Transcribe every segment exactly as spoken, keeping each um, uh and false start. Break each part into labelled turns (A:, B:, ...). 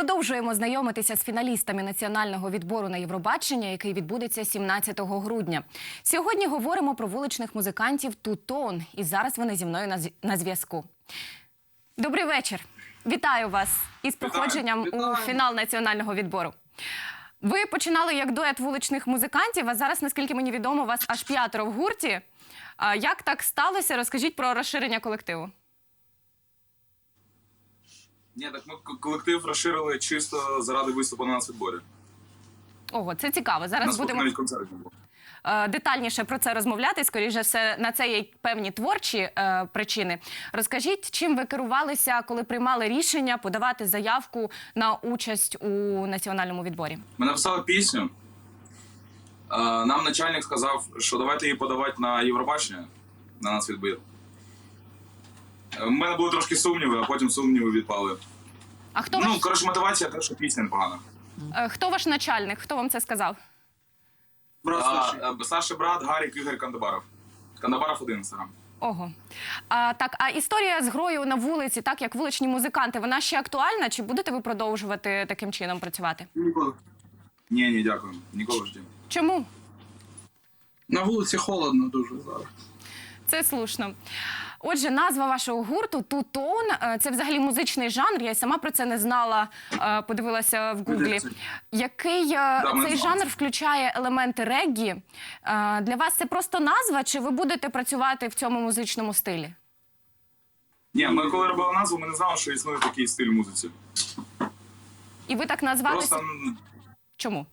A: продовжуємо знайомитися з фіналістами національного відбору на Євробачення, який відбудеться сімнадцятого грудня. Сьогодні говоримо про вуличних музикантів Two Tone, і зараз вони зі мною на зв'язку. Добрий вечір. Вітаю вас із проходженням Вітаю. у фінал національного відбору. Ви починали як дует вуличних музикантів, а зараз, наскільки мені відомо, вас аж п'ятеро в гурті. Як так сталося? Розкажіть про розширення колективу.
B: Ні, так ми колектив розширили чисто заради виступу на нацвідборі.
A: Ого, це цікаво. Зараз
B: Нас
A: будемо
B: навіть концерт не було.
A: детальніше про це розмовляти. Скоріше все, на це є певні творчі е, причини. Розкажіть, чим ви керувалися, коли приймали рішення подавати заявку на участь у національному відборі?
B: Ми написали пісню. Е, нам начальник сказав, що давайте її подавати на Євробачення, на нацвідбір. У мене були трошки сумніви, а потім сумніви відпали.
A: А хто
B: ну,
A: ваш...
B: коротше, мотивація те, що пісня непогана.
A: Е, хто ваш начальник? Хто вам це сказав?
B: Брат а, Саша брат, Гарік Ігор Кандабаров. Кандабаров один інстаграм.
A: Ого. А, так, а історія з грою на вулиці, так, як вуличні музиканти, вона ще актуальна? Чи будете ви продовжувати таким чином працювати?
B: Ніколи. Ні, ні, дякую. Ніколи в житті.
A: Чому?
C: На вулиці холодно дуже зараз.
A: Це слушно. Отже, назва вашого гурту Two Tone – це взагалі музичний жанр. Я й сама про це не знала, подивилася в Гуглі. Який да, цей жанр включає елементи реггі? Для вас це просто назва, чи ви будете працювати в цьому музичному стилі?
B: Ні, ми коли робили назву, ми не знали, що існує такий стиль музиці.
A: І ви так назвалися?
B: Просто...
A: Чому?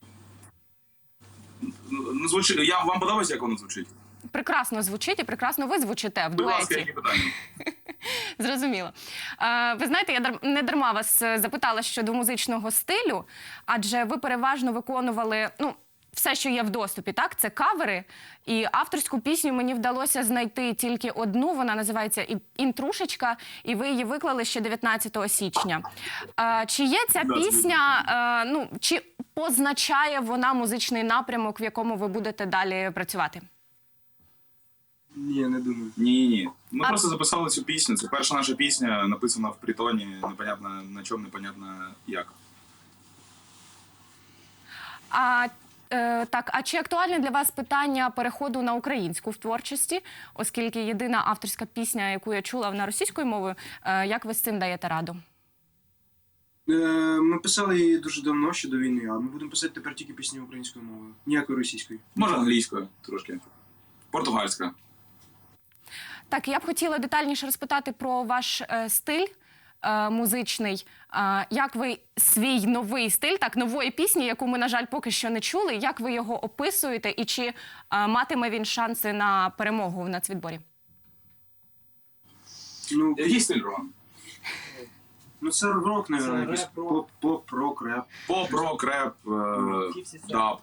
B: Ну, звучить... Я... Вам подобається, як воно звучить?
A: Прекрасно звучить і прекрасно ви звучите в дуеті.
B: Будь ласка, які питання?
A: Зрозуміло. Ви знаєте, я не дарма вас запитала щодо музичного стилю, адже ви переважно виконували, ну, все, що є в доступі, так? Це кавери. І авторську пісню мені вдалося знайти тільки одну, вона називається «Інтрушечка», і ви її виклали ще дев'ятнадцятого січня. Чи є ця пісня, ну, чи позначає вона музичний напрямок, в якому ви будете далі працювати?
C: Ні, не думаю.
B: Ні-ні. Ми
A: а...
B: просто записали цю пісню. Це перша наша пісня, написана в притоні, непонятно на чому, непонятно як.
A: А, е, так, а чи актуальне для вас питання переходу на українську в творчості? Оскільки єдина авторська пісня, яку я чула на російською мовою, е, як ви з цим даєте раду?
C: Е, ми писали її дуже давно, ще до війни, а ми будемо писати тепер тільки пісні українською мовою. Ніякої російської.
B: Може англійською трошки. Португальська.
A: Так, я б хотіла детальніше розпитати про ваш е, стиль е, музичний. Е, як ви свій новий стиль, так, нової пісні, яку ми, на жаль, поки що не чули, як ви його описуєте і чи е, матиме він шанси на перемогу в нацвідборі?
B: Ну, який стиль, Роман?
C: Ну, це рок, мабуть, поп, поп, рок, реп.
B: Поп, рок, реп, е, даб.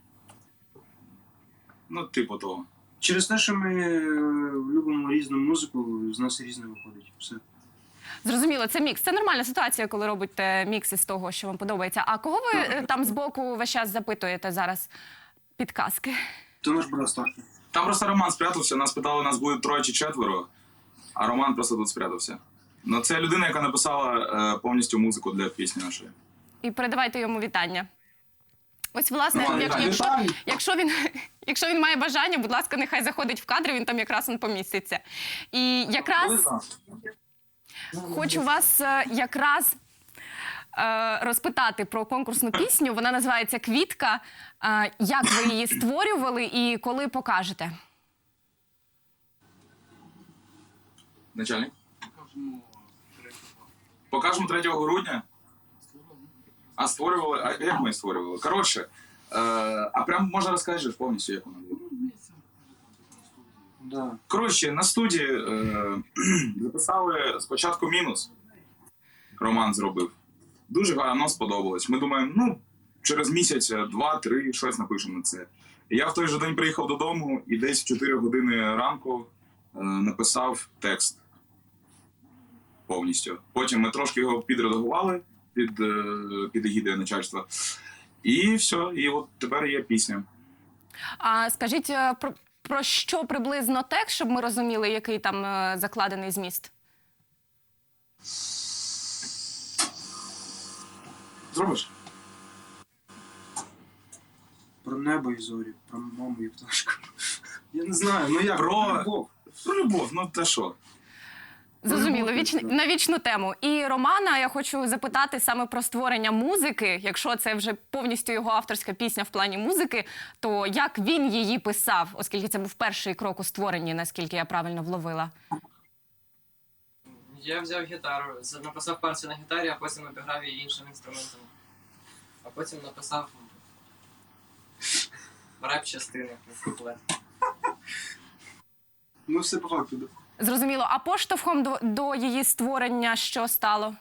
B: Ну, типу того.
C: Через те, що ми любимо різну музику, з нас різне виходить. Все.
A: Зрозуміло, це мікс. Це нормальна ситуація, коли робите мікс із того, що вам подобається. А кого ви там збоку весь час запитуєте зараз підказки?
C: То наш брат старший.
B: Там просто Роман спрятався, нас питали, нас буде троє чи четверо, а Роман просто тут спрятався. Ну, це людина, яка написала е, повністю музику для пісні нашої.
A: І передавайте йому вітання. Ось, власне,
B: Ну,
A: як,
B: вітання.
A: якщо, якщо, він, якщо він має бажання, будь ласка, нехай заходить в кадр, він там якраз він поміститься. І якраз хочу вас е, якраз е, розпитати про конкурсну пісню. Вона називається «Квітка». Е, як ви її створювали і коли покажете?
B: Начальник? Покажемо третього грудня. А створювали? А як ми створювали? Коротше, е, а прям можна розкажеш повністю, як воно було?
C: Да.
B: Коротше, на студії е, записали спочатку мінус. Роман зробив. Дуже гарно сподобалось. Ми думаємо, ну, через місяць, два-три, щось напишемо на це. І я в той же день приїхав додому і десь в чотири години ранку е, написав текст. Повністю. Потім ми трошки його підредагували під, під егідою начальства. І все, і от тепер є пісня.
A: А скажіть, про, про що приблизно текст, щоб ми розуміли, який там закладений зміст?
B: Зробиш?
C: Про небо і зорі, про маму і пташку. Я не знаю, ну як?
B: Про-
C: Любов.
B: Про любов, ну та що?
A: Зрозуміло,
B: Ну,
A: віч...
B: точно.
A: на вічну тему. І Романа я хочу запитати саме про створення музики. Якщо це вже повністю його авторська пісня в плані музики, то як він її писав, оскільки це був перший крок у створенні, наскільки я правильно вловила?
D: Я взяв гітару, з- написав партію на гітарі, а потім обіграв її іншим інструментом. А потім написав реп-частини, куплет.
C: Ну все по факту. Да.
A: Зрозуміло. А поштовхом до, до її створення що стало?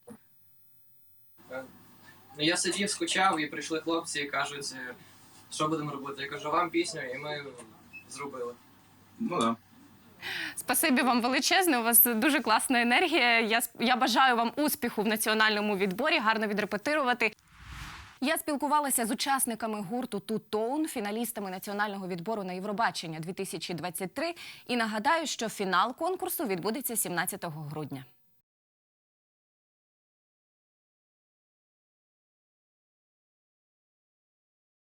D: Е, Ну, я сидів, скучав, і прийшли хлопці і кажуть, е, що будемо робити. Я кажу, вам пісню, і ми зробили.
B: Ну да.
A: Спасибі вам величезне. У вас дуже класна енергія. Я, сп- я бажаю вам успіху в національному відборі, гарно відрепетирувати. Я спілкувалася з учасниками гурту Two Tone, фіналістами національного відбору на Євробачення дві тисячі двадцять три. І нагадаю, що фінал конкурсу відбудеться сімнадцятого грудня.